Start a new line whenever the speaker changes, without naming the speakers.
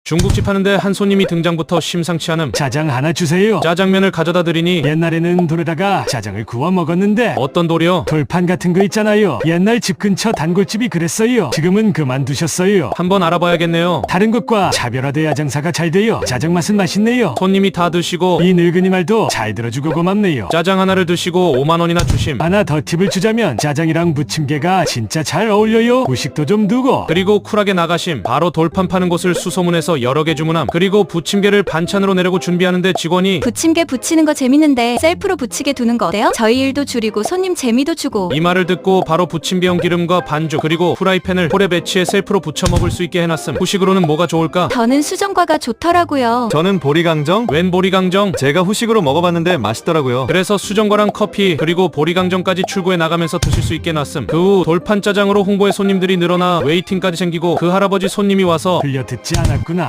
중국집 하는데 한 손님이 등장부터 심상치 않음.
짜장 하나 주세요.
짜장면을 가져다 드리니
옛날에는 돌에다가 짜장을 구워 먹었는데
어떤 돌이요?
돌판 같은 거 있잖아요. 옛날 집 근처 단골집이 그랬어요. 지금은 그만두셨어요.
한번 알아봐야겠네요.
다른 것과 차별화돼야 장사가 잘 돼요. 짜장 맛은 맛있네요.
손님이 다 드시고
이 늙은이 말도 잘 들어주고 고맙네요.
짜장 하나를 드시고 5만 원이나 주심.
하나 더 팁을 주자면 짜장이랑 부침개가 진짜 잘 어울려요. 후식도 좀 두고.
그리고 쿨하게 나가심. 바로 돌판 파는 곳을 수소문해서 여러 개 주문함. 그리고 부침개를 반찬으로 내려고 준비하는데 직원이
부침개 부치는 거 재밌는데 셀프로 부치게 두는 거 어때요? 저희 일도 줄이고 손님 재미도 주고.
이 말을 듣고 바로 부침개용 기름과 반죽 그리고 프라이팬을 홀에 배치해 셀프로 부쳐 먹을 수 있게 해놨음. 후식으로는 뭐가 좋을까?
저는 수정과가 좋더라고요.
저는 보리강정.
웬 보리강정?
제가 후식으로 먹어봤는데 맛있더라고요.
그래서 수정과랑 커피 그리고 보리강정까지 출고해 나가면서 드실 수 있게 놨음. 그 후 돌판 짜장으로 홍보에 손님들이 늘어나 웨이팅까지 생기고 그 할아버지 손님이 와서
들려 듣지 않았구나.